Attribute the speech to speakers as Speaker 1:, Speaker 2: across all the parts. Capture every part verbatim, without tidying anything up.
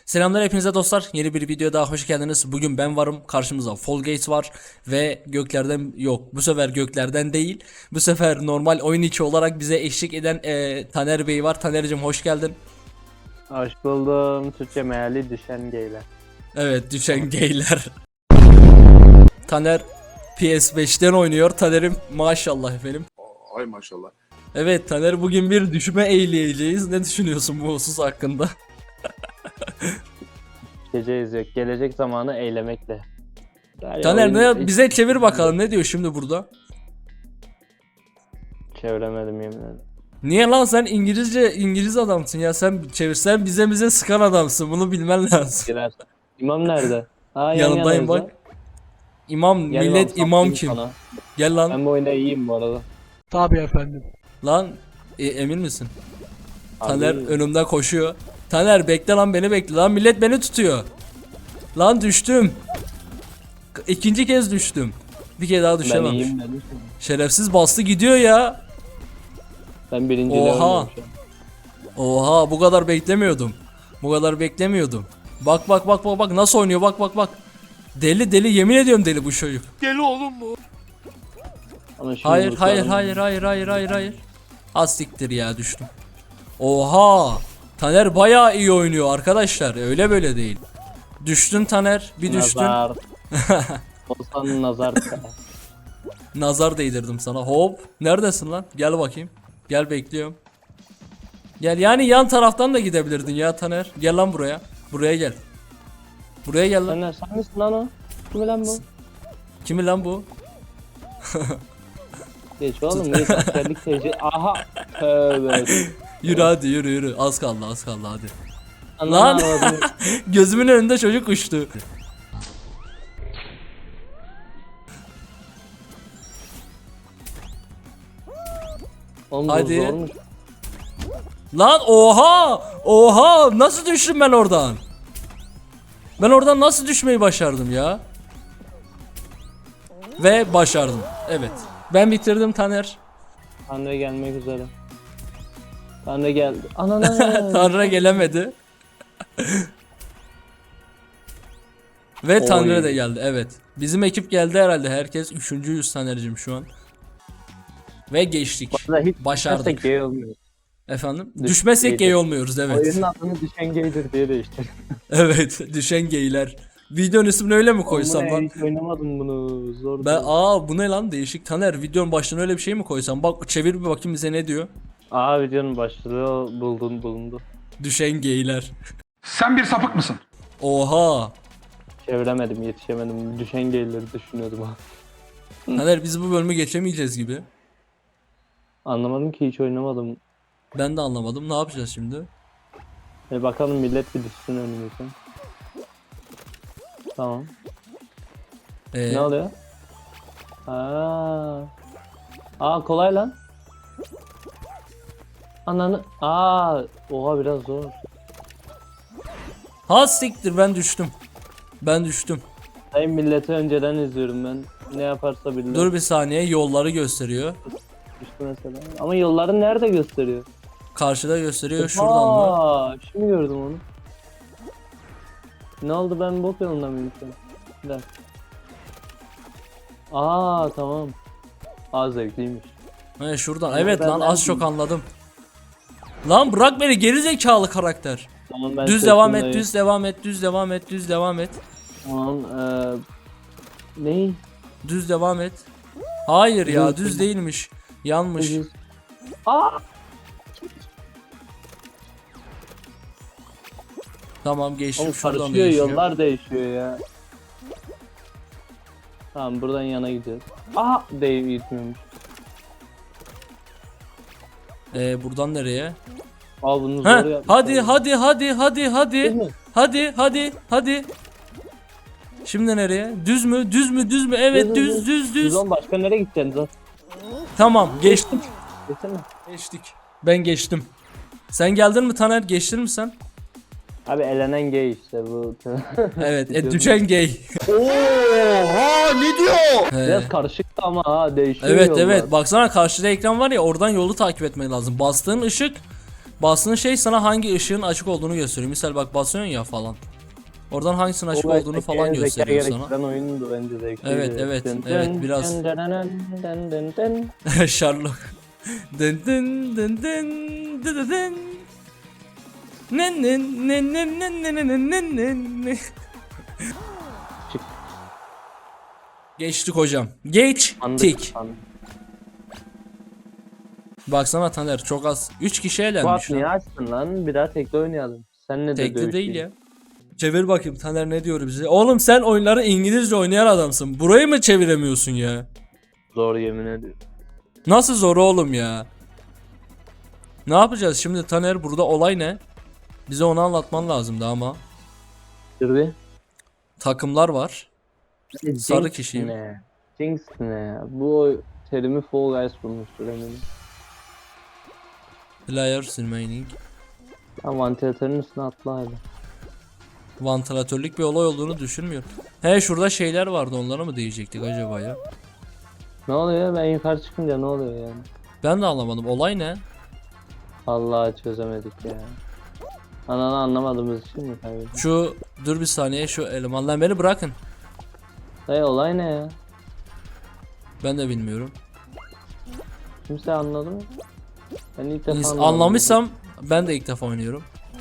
Speaker 1: Selamlar hepinize dostlar. Yeni bir videoya daha hoş geldiniz. Bugün ben varım. Karşımızda Fall Guys var ve göklerden yok. Bu sefer göklerden değil. Bu sefer normal oyun içi olarak bize eşlik eden e, Taner Bey var. Taner'cim hoş geldin.
Speaker 2: Hoş buldum. Türkçe meali düşen geyler.
Speaker 1: Evet, düşen geyler. Taner P S beşten oynuyor. Taner'im maşallah efendim.
Speaker 3: Ay maşallah.
Speaker 1: Evet Taner, bugün bir düşme eğleyeceğiz. Ne düşünüyorsun bu husus hakkında?
Speaker 2: Geceyiz yok. Gelecek zamanı eylemekle. Yani
Speaker 1: Taner
Speaker 2: oyun-
Speaker 1: ne, bize çevir bakalım, ne diyor şimdi burada?
Speaker 2: Çeviremedim yemin ederim.
Speaker 1: Niye lan, sen İngilizce İngiliz adamsın ya, sen çevirsen bize bize sıkan adamsın, bunu bilmen lazım.
Speaker 2: Girer. İmam nerede? Ha, yan
Speaker 1: Yanındayım
Speaker 2: yanayız
Speaker 1: bak. İmam
Speaker 2: ya. Gel
Speaker 1: millet
Speaker 2: lan,
Speaker 1: imam
Speaker 2: saplayayım
Speaker 1: kim?
Speaker 2: sana.
Speaker 1: Gel lan.
Speaker 2: Ben bu oyunda iyiyim bu arada.
Speaker 4: Tabii efendim.
Speaker 1: Lan e, emin misin?
Speaker 2: Abi,
Speaker 1: Taner önümde koşuyor. Taner bekle lan, beni bekle lan, millet beni tutuyor. Lan düştüm. İkinci kez düştüm. Bir kere daha
Speaker 2: ben
Speaker 1: düşemem.
Speaker 2: iyiyim dedim.
Speaker 1: Şerefsiz bastı gidiyor ya.
Speaker 2: Ben birinci
Speaker 1: Oha.
Speaker 2: oynuyorum şu an.
Speaker 1: Oha, bu kadar beklemiyordum. Bu kadar beklemiyordum. Bak bak bak bak bak nasıl oynuyor, bak bak bak. Deli deli, yemin ediyorum deli bu çocuk.
Speaker 2: Ama şimdi
Speaker 1: Hayır
Speaker 2: bu
Speaker 1: hayır
Speaker 2: şu an-
Speaker 1: hayır hayır hayır hayır hayır. Az siktir ya, düştüm. Oha. Taner bayağı iyi oynuyor arkadaşlar. Öyle böyle değil. Düştün Taner, bir düştün.
Speaker 2: Nazar. Olsan nazar.
Speaker 1: Nazar değdirdim sana. Hop. Neredesin lan? Gel bakayım. Gel, bekliyorum. Gel, yani yan taraftan da gidebilirdin ya Taner. Gel lan buraya. Buraya gel. Buraya gel lan.
Speaker 2: Sen, ne- sen misin lan o? Kim lan bu?
Speaker 1: Kimi lan bu?
Speaker 2: Geç oğlum geç askerlik tecrübe. Aha. Tövbe.
Speaker 1: Yürü hadi, yürü yürü. Az kaldı az kaldı hadi.
Speaker 2: Ananı
Speaker 1: Lan.
Speaker 2: avradını-
Speaker 1: Gözümün önünde çocuk uçtu.
Speaker 2: Oğlum bu
Speaker 1: Hadi.
Speaker 2: zormuş.
Speaker 1: Lan oha! Oha! Nasıl düştüm ben oradan? Ben oradan nasıl düşmeyi başardım ya? Ve başardım. Evet. Ben bitirdim Taner.
Speaker 2: Tanrı gelmek üzere. Tanrı geldi. Ananı.
Speaker 1: Tanrı gelemedi. Ve
Speaker 2: Oy.
Speaker 1: Tanrı da geldi. Evet. Bizim ekip geldi herhalde. Herkes üçüncüyüz Taner'cim şu an. Ve geçtik.
Speaker 2: Vallahi hiç
Speaker 1: Başardık.
Speaker 2: düşersek gay olmuyor.
Speaker 1: Efendim?
Speaker 2: Düş-
Speaker 1: Düşmezsek
Speaker 2: gaydir.
Speaker 1: gay olmuyoruz, evet.
Speaker 2: Oyunun adını düşen gaydir diye değiştir.
Speaker 1: Evet, düşen gayler. Videonun ismini öyle mi koysam
Speaker 2: Oğlum,
Speaker 1: lan?
Speaker 2: Hiç oynamadım bunu. Zor.
Speaker 1: Ben
Speaker 2: değil.
Speaker 1: aa bu ne lan, değişik. Taner, videonun başına öyle bir şey mi koysam? Bak çevir bir bakayım bize ne diyor.
Speaker 2: Aa videonun başlığı buldun bulundu.
Speaker 1: Düşen gayler.
Speaker 3: Sen bir sapık mısın?
Speaker 1: Oha.
Speaker 2: Çeviremedim, yetişemedim. Düşen gayleri düşünüyordum ha.
Speaker 1: Taner, biz bu bölümü geçemeyeceğiz gibi.
Speaker 2: Anlamadım ki hiç oynamadım.
Speaker 1: Ben de anlamadım. Ne yapacağız şimdi?
Speaker 2: E bakalım millet bir düşsün önümüzden. Tamam.
Speaker 1: Ee,
Speaker 2: Ne oluyor? Aa. Aa kolay lan. Ananı. Aa, oha biraz zor.
Speaker 1: Ha siktir, ben düştüm. Ben düştüm.
Speaker 2: Hayır milleti önceden izliyorum ben. Ne yaparsa bilmem.
Speaker 1: Dur bir saniye, yolları gösteriyor.
Speaker 2: Düştü mesela. Ama yolları nerede gösteriyor?
Speaker 1: Karşıda gösteriyor, şuradan mı?
Speaker 2: Aa, şimdi gördüm onu. Ne oldu, ben bok yolunda mıyım şu an? Bir dakika. Aa tamam. Aa zevkliymiş.
Speaker 1: He şuradan.
Speaker 2: Ama
Speaker 1: Evet
Speaker 2: ben
Speaker 1: lan, az
Speaker 2: nereden-
Speaker 1: çok anladım. Lan bırak beni, geri zekalı karakter.
Speaker 2: Tamam, ben
Speaker 1: Düz devam et,
Speaker 2: seçimdeyim.
Speaker 1: düz devam et, düz devam et, düz devam et.
Speaker 2: Tamam eee... Ne?
Speaker 1: Düz devam et. Hayır ya,
Speaker 2: Düz-
Speaker 1: düz değilmiş. Yanmış.
Speaker 2: Düz. Aa!
Speaker 1: Tamam, geçtim,
Speaker 2: Oğlum
Speaker 1: şuradan da
Speaker 2: karışıyor,
Speaker 1: geçiyor.
Speaker 2: yollar değişiyor ya. Tamam buradan yana gidiyoruz. Aa! Değil gitmiyormuş.
Speaker 1: Ee, buradan nereye?
Speaker 2: Aa bunu
Speaker 1: Ha,
Speaker 2: zor yapmış.
Speaker 1: hadi hadi hadi hadi
Speaker 2: Değil
Speaker 1: hadi.
Speaker 2: mi?
Speaker 1: Hadi hadi hadi. Şimdi nereye? Düz mü? Düz mü? Düz mü? Evet, düz düz düz.
Speaker 2: Biz oğlum başka nereye gideceğiz zaten?
Speaker 1: Tamam, geçtim.
Speaker 2: Desene.
Speaker 1: Geçtik. Ben geçtim. Sen geldin mi Taner? Geçtin mi sen?
Speaker 2: Abi elenen gay işte bu.
Speaker 1: Evet, e, düşen gay.
Speaker 3: Oha ne diyor?
Speaker 1: He.
Speaker 2: Biraz karışık ama ha değişiyor
Speaker 1: Evet
Speaker 2: yollar.
Speaker 1: evet, baksana karşıda ekran var ya, oradan yolu takip etmen lazım. Bastığın ışık Bastığın şey sana hangi ışığın açık olduğunu gösteriyor. Misal bak basıyorsun ya falan. Oradan hangisinin açık
Speaker 2: O
Speaker 1: olduğunu
Speaker 2: zeka-
Speaker 1: falan
Speaker 2: zeka
Speaker 1: gösteriyor sana.
Speaker 2: gerektiren oyundu bence zevkliydi.
Speaker 1: Evet, evet,
Speaker 2: Dın
Speaker 1: evet,
Speaker 2: dın
Speaker 1: biraz.
Speaker 2: dın dın dın dın dın dın.
Speaker 1: Sherlock. Dın dın dın dın dın dın dın. Nen nen nen nen nen nen nen nen nen nen.
Speaker 2: Çık.
Speaker 1: Geçtik hocam. Geçtik.
Speaker 2: Sandık.
Speaker 1: Baksana Taner çok az. üç kişi
Speaker 2: Fuat
Speaker 1: elenmiş
Speaker 2: niye
Speaker 1: lan.
Speaker 2: açtın lan? Bir daha tekli oynayalım. Seninle de
Speaker 1: Tekli değil
Speaker 2: dövüşeyim.
Speaker 1: ya. Çevir bakayım Taner ne diyor bize. Oğlum sen oyunları İngilizce oynayan adamsın. Burayı mı çeviremiyorsun ya?
Speaker 2: Zor yemin ediyorum.
Speaker 1: Nasıl zor oğlum ya? Ne yapacağız şimdi Taner, burada olay ne? Bize onu anlatman lazımdı ama.
Speaker 2: Dur bir.
Speaker 1: Takımlar var. Sarı
Speaker 2: Jinx
Speaker 1: kişiyim.
Speaker 2: Ne? Jinx ne? Bu oy- terimi Fall Guys bulmuştur eminim.
Speaker 1: Players remaining.
Speaker 2: Lan vantilatörün üstüne atla hadi.
Speaker 1: Vantilatörlük bir olay olduğunu düşünmüyorum. He şurada şeyler vardı, onlara mı diyecektik acaba ya?
Speaker 2: Ne oluyor? Ben yukarı çıkınca ne oluyor yani?
Speaker 1: Ben de anlamadım. Olay ne?
Speaker 2: Vallahi çözemedik ya. Ananı anlamadığımız için mi kaybettik?
Speaker 1: Şu dur bir saniye, şu elemanlar beni bırakın.
Speaker 2: Dayı olay ne ya?
Speaker 1: Ben de bilmiyorum.
Speaker 2: Kimse anladı mı? Ben ilk defa
Speaker 1: İns-
Speaker 2: anlamadım.
Speaker 1: Anlamışsam ben de ilk defa oynuyorum.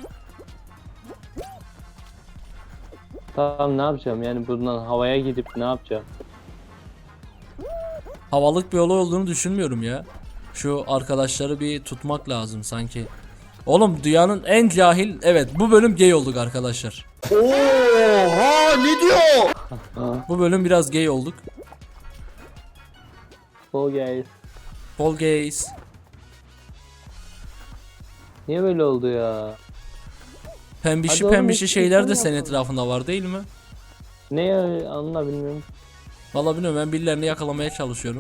Speaker 2: Tamam ne yapacağım yani buradan havaya gidip ne yapacağım?
Speaker 1: Havalık bir olay olduğunu düşünmüyorum ya. Şu arkadaşları bir tutmak lazım sanki. Oğlum dünyanın en cahil, evet bu bölüm gay olduk arkadaşlar.
Speaker 3: Oha ne diyor?
Speaker 1: Bu bölüm biraz gay olduk.
Speaker 2: Fall Guys.
Speaker 1: Fall gays.
Speaker 2: Niye böyle oldu ya?
Speaker 1: Pembişi
Speaker 2: Hadi oğlum,
Speaker 1: pembişi
Speaker 2: hiç
Speaker 1: şeyler de
Speaker 2: insan
Speaker 1: senin
Speaker 2: yapmadı.
Speaker 1: etrafında var değil mi?
Speaker 2: Ne ya anla bilmiyorum.
Speaker 1: Vallahi bilmiyorum, ben birilerini yakalamaya çalışıyorum.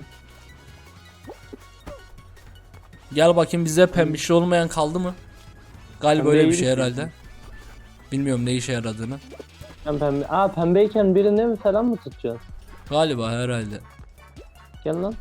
Speaker 1: Gel bakayım, bize pembişi olmayan kaldı mı? Galiba
Speaker 2: Pembe
Speaker 1: öyle bir
Speaker 2: iyi
Speaker 1: şey
Speaker 2: misin?
Speaker 1: herhalde. Bilmiyorum ne işe yaradığını.
Speaker 2: Ben pembe... Aa pembeyken birini mi falan mı tutacağız?
Speaker 1: Galiba herhalde.
Speaker 2: Gel lan.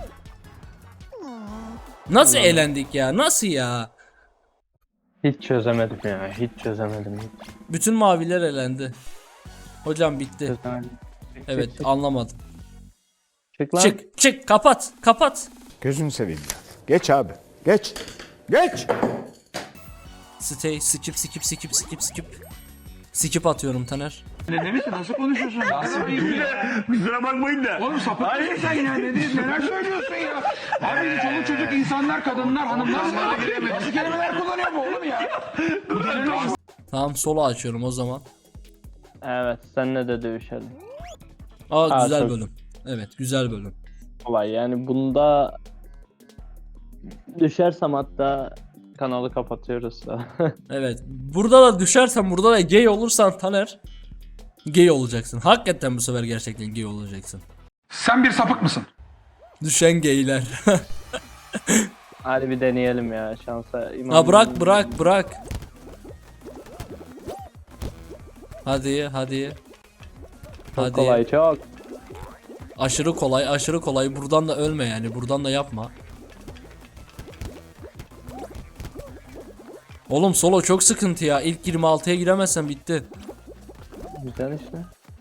Speaker 1: Nasıl
Speaker 2: Anladım.
Speaker 1: eğlendik ya? Nasıl ya?
Speaker 2: Hiç çözemedim ya. Hiç çözemedim. Hiç
Speaker 1: Bütün maviler elendi. Hocam bitti.
Speaker 2: çözemedim. Çık,
Speaker 1: Evet
Speaker 2: çık, çık.
Speaker 1: anlamadım.
Speaker 2: Çık lan.
Speaker 1: Çık çık kapat kapat.
Speaker 4: Gözünü seveyim ya. Geç abi. Geç. Geç.
Speaker 1: Stay skip skip skip skip skip. Skip atıyorum Taner.
Speaker 3: Nasıl konuşuyorsun? Kusura bakmayın da. Oğlum sapık mısın sen ya? Ne, neler söylüyorsun ya? Abi çoluk çocuk insanlar, kadınlar, hanımlar nasıl kelimeler kullanıyor bu oğlum ya?
Speaker 1: Tamam solo açıyorum o zaman.
Speaker 2: Evet senle de dövüşelim.
Speaker 1: Aa
Speaker 2: Aa,
Speaker 1: güzel
Speaker 2: çok-
Speaker 1: bölüm. Evet güzel bölüm.
Speaker 2: Olay yani bunda düşersem hatta kanalı kapatıyoruz da.
Speaker 1: Evet. Burada da düşersen, burada da gay olursan Taner, gay olacaksın. Hakikaten bu sefer gerçekten gay olacaksın.
Speaker 3: Sen bir sapık mısın?
Speaker 1: Düşen gayler.
Speaker 2: Hadi bir deneyelim ya şansa. İmam
Speaker 1: Ha bırak bırak bırak. Hadi hadi.
Speaker 2: Çok
Speaker 1: Hadi.
Speaker 2: kolay çok.
Speaker 1: Aşırı kolay, aşırı kolay. Buradan da ölme yani. Buradan da yapma. Oğlum solo çok sıkıntı ya. İlk yirmi altıya giremezsen bitti.
Speaker 2: Güzel işte.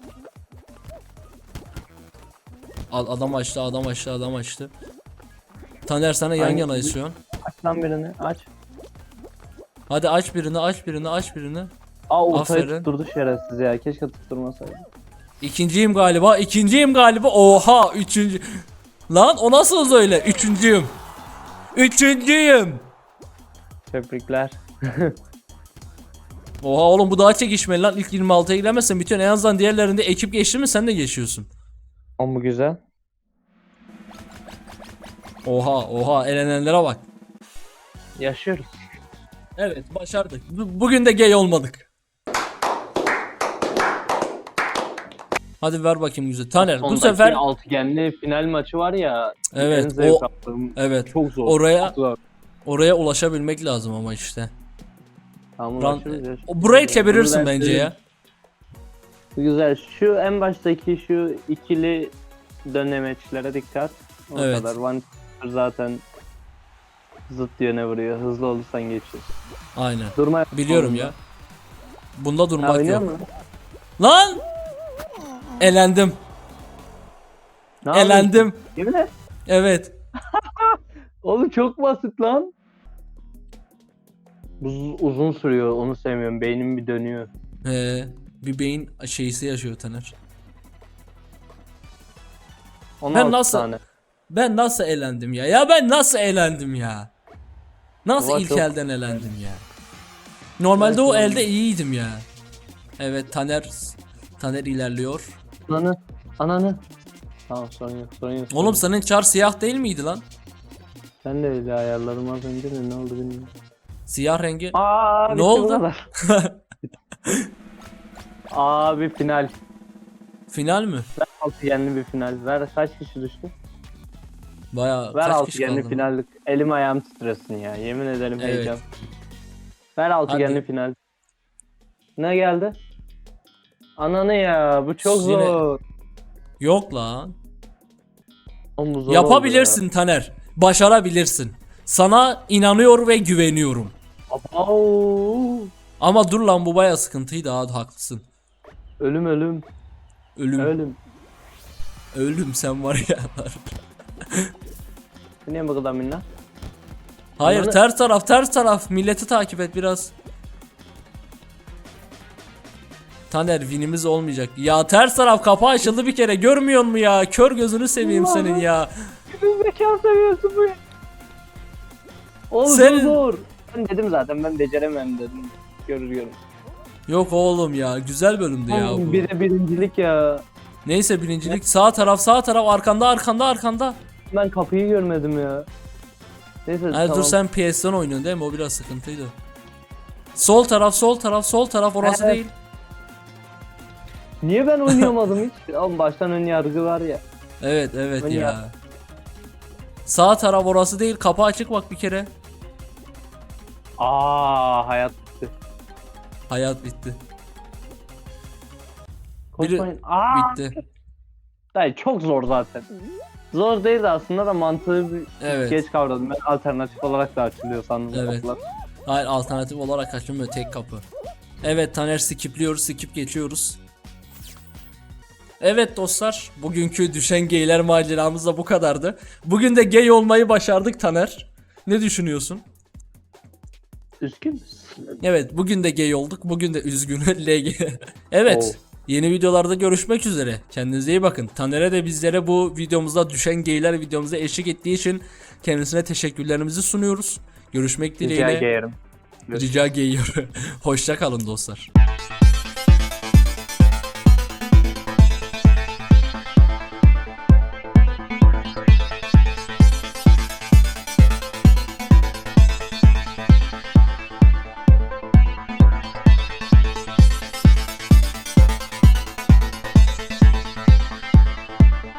Speaker 1: Al- Adam açtı, adam açtı, adam açtı. Taner sana yan
Speaker 2: Hangi-
Speaker 1: yanayız şu an.
Speaker 2: Aç lan birini aç.
Speaker 1: Hadi aç birini, aç birini, aç birini.
Speaker 2: Aa ortayı
Speaker 1: Aferin.
Speaker 2: tutturdu şerefsiz ya. Keşke tutturmasaydı.
Speaker 1: İkinciyim galiba, ikinciyim galiba. Oha, üçüncü. Lan o nasıl öyle? Üçüncüyüm. Üçüncüyüm.
Speaker 2: Tebrikler.
Speaker 1: Oha oğlum bu daha çekişmeli lan. İlk yirmi altıya giremezsen bitiyor. En azından diğerlerinde ekip geçti mi sen de geçiyorsun.
Speaker 2: O mu güzel?
Speaker 1: Oha oha, elenenlere bak.
Speaker 2: Yaşıyoruz.
Speaker 1: Evet başardık. Bu- Bugün de gay olmadık. Hadi ver bakayım güzel. Taner bu
Speaker 2: Sondaki
Speaker 1: sefer
Speaker 2: altıgenli final maçı var ya.
Speaker 1: Evet,
Speaker 2: en zevk
Speaker 1: o-
Speaker 2: aldığım-
Speaker 1: evet
Speaker 2: Çok zor.
Speaker 1: oraya
Speaker 2: çok zor.
Speaker 1: oraya ulaşabilmek lazım ama işte.
Speaker 2: Tamam,
Speaker 1: Ran-
Speaker 2: ulaşırız, yaşarız.
Speaker 1: o burayı çevirirsin
Speaker 2: Bunu ben
Speaker 1: bence
Speaker 2: söyleyeyim.
Speaker 1: ya.
Speaker 2: Güzel. Şu en baştaki şu ikili dönemeçlere dikkat. O
Speaker 1: Evet.
Speaker 2: kadar. One zaten Zıt yöne vuruyor. Hızlı olursan geçiyorsun.
Speaker 1: Aynen.
Speaker 2: Durma.
Speaker 1: Biliyorum ya. Bunda
Speaker 2: Ha,
Speaker 1: durmak
Speaker 2: oynuyor
Speaker 1: yok.
Speaker 2: mu?
Speaker 1: Lan! Elendim.
Speaker 2: Ne yapıyorsun?
Speaker 1: Elendim.
Speaker 2: Yemin et.
Speaker 1: Evet.
Speaker 2: Oğlum çok basit lan. Uz- uzun sürüyor, onu sevmiyorum. Beynim bir dönüyor.
Speaker 1: Ee, bir beyin şeysi yaşıyor Taner.
Speaker 2: on
Speaker 1: Ben
Speaker 2: altı
Speaker 1: nasıl-
Speaker 2: tane.
Speaker 1: Ben nasıl elendim ya? Ya ben nasıl elendim ya? Nasıl
Speaker 2: Baba
Speaker 1: ilk
Speaker 2: çok-
Speaker 1: elden elendim ya? Normalde o
Speaker 2: Evet,
Speaker 1: elde iyiydim ya. Evet Taner Taner ilerliyor.
Speaker 2: Ananı. Ananı. Tamam sorun yok sorun yok.
Speaker 1: Oğlum senin çar siyah değil miydi lan?
Speaker 2: Ben de öyle ayarladım az önce de ne oldu bilmiyorum.
Speaker 1: Siyah rengi.
Speaker 2: Aa,
Speaker 1: Ne
Speaker 2: bitti bu
Speaker 1: oldu?
Speaker 2: kadar. Abi final.
Speaker 1: Final mi?
Speaker 2: Altıgenli bir final. Ver kaç kişi düştü?
Speaker 1: Baya
Speaker 2: Ver
Speaker 1: kaç kişi
Speaker 2: altıgenli
Speaker 1: kaldı?
Speaker 2: finallik. Elim ayağım titresin ya. Yemin ederim
Speaker 1: Evet.
Speaker 2: heyecan. Ver altıgenli
Speaker 1: Hadi.
Speaker 2: final. Ne geldi? Ananı ya bu çok
Speaker 1: Yine-
Speaker 2: zor.
Speaker 1: Yok lan.
Speaker 2: Oğlum bu zor
Speaker 1: Yapabilirsin Taner. Başarabilirsin. Sana inanıyor ve güveniyorum.
Speaker 2: oldu ya. Au.
Speaker 1: Ama dur lan bu baya sıkıntıydı ha, haklısın.
Speaker 2: Ölüm ölüm.
Speaker 1: Ölüm.
Speaker 2: Ölüm.
Speaker 1: Ölüm sen var ya.
Speaker 2: Niye bu kadar minna?
Speaker 1: Hayır
Speaker 2: Ananı-
Speaker 1: ters taraf ters taraf. Milleti takip et biraz. Taner winimiz olmayacak. Ya ters taraf kapı açıldı bir kere, görmüyor mu ya? Kör gözünü seveyim
Speaker 2: Allah'ım.
Speaker 1: senin ya.
Speaker 2: Kimin zeka seviyorsun bu ya? Oğlum
Speaker 1: Senin-
Speaker 2: zor zor. Ben dedim zaten ben beceremem dedim. Görür görür.
Speaker 1: Yok oğlum ya, güzel bölümdü ya
Speaker 2: Oğlum,
Speaker 1: bu.
Speaker 2: bir de birincilik ya.
Speaker 1: Neyse birincilik sağ taraf sağ taraf arkanda arkanda arkanda.
Speaker 2: Ben kapıyı görmedim ya. Neyse
Speaker 1: Hayır
Speaker 2: tamam.
Speaker 1: dur sen P S'den oynuyorsun değil mi? O biraz sıkıntıydı. Sol taraf sol taraf sol taraf orası
Speaker 2: Evet.
Speaker 1: değil.
Speaker 2: Niye ben oynayamadım hiç? Oğlum baştan ön yargı var ya.
Speaker 1: Evet evet
Speaker 2: Oynuyor.
Speaker 1: ya. Sağ taraf orası değil, kapı açık bak bir kere.
Speaker 2: Aa hayat bitti.
Speaker 1: Hayat bitti. Biri-
Speaker 2: Koşmayın. Aa.
Speaker 1: Bitti.
Speaker 2: Hayır, çok zor zaten. Zor değildi aslında da mantığı bir
Speaker 1: Evet.
Speaker 2: geç kavradım. Ben alternatif olarak da açılıyor sandım.
Speaker 1: Evet.
Speaker 2: kapılar.
Speaker 1: Hayır alternatif olarak açılmıyor, tek kapı. Evet Taner skipliyoruz, skip geçiyoruz. Evet dostlar, bugünkü düşen geyler maceramız da bu kadardı. Bugün de gay olmayı başardık Taner. Ne düşünüyorsun?
Speaker 2: Üzgün müsün?
Speaker 1: Evet bugün de gay olduk, bugün de üzgün L G. Evet, yeni videolarda görüşmek üzere. Kendinize iyi bakın. Taner'e de bizlere bu videomuzda düşen geyler videomuza eşlik ettiği için kendisine teşekkürlerimizi sunuyoruz. Görüşmek
Speaker 2: Rica
Speaker 1: dileğiyle.
Speaker 2: ederim.
Speaker 1: Rica geliyor. Hoşça kalın dostlar.